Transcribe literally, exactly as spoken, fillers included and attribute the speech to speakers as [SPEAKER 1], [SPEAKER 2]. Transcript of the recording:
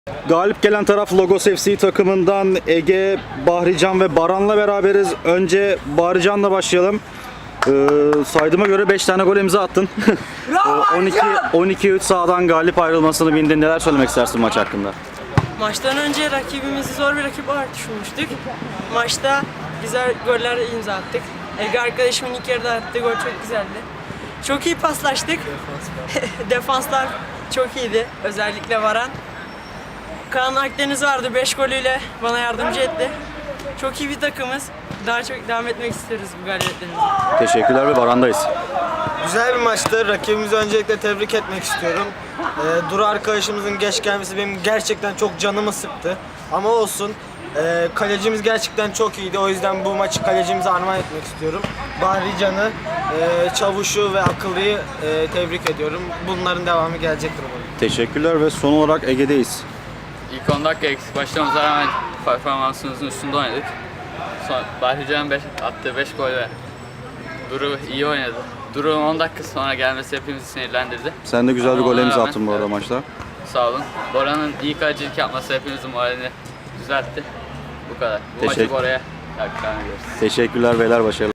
[SPEAKER 1] Galip gelen taraf Logos F C takımından Ege, Bahrican ve Baran'la beraberiz. Önce Bahrican'la başlayalım. Ee, saydığıma göre beş tane gol imza attın. on iki üç sahadan galip ayrılmasını bildin. Neler söylemek istersin maç hakkında?
[SPEAKER 2] Maçtan önce rakibimizi zor bir rakip olarak düşünmüştük. Maçta güzel goller imza attık. Ege arkadaşımın ilk yarıda attığı gol çok güzeldi. Çok iyi paslaştık. Defanslar çok iyiydi. Özellikle Varan. Kaan Akdeniz vardı, beş golüyle bana yardımcı etti. Çok iyi bir takımız. Daha çok devam etmek isteriz bu galibiyetlerimize.
[SPEAKER 1] Teşekkürler ve Baran'dayız.
[SPEAKER 3] Güzel bir maçtı. Rakibimizi öncelikle tebrik etmek istiyorum. Ee, Duru arkadaşımızın geç gelmesi benim gerçekten çok canımı sıktı. Ama olsun. Ee, kalecimiz gerçekten çok iyiydi. O yüzden bu maçı kalecimize armağan etmek istiyorum. Bahri Can'ı, e, Çavuş'u ve Akıllı'yı e, tebrik ediyorum. Bunların devamı gelecektir umarım.
[SPEAKER 1] Teşekkürler ve son olarak Ege'deyiz.
[SPEAKER 4] İlk on dakika eksik başlamamıza rağmen performansımızın üstünde oynadık. Son, Bahrican'ın beş, attığı beş gol ve Duru iyi oynadı. Duru'nun on dakika sonra gelmesi hepimizi sinirlendirdi.
[SPEAKER 1] Sen de güzel bir
[SPEAKER 4] Ama
[SPEAKER 1] gol
[SPEAKER 4] ona
[SPEAKER 1] imza
[SPEAKER 4] rağmen-
[SPEAKER 1] attın bu arada
[SPEAKER 4] evet.
[SPEAKER 1] maçta.
[SPEAKER 4] Sağ olun. Bora'nın iyi kalecilik yapması hepimizin moralini düzeltti. Bu kadar. Bu
[SPEAKER 1] Teşekkür-
[SPEAKER 4] maçı Bora'ya takdir ediyoruz.
[SPEAKER 1] Teşekkürler beyler, başarılar.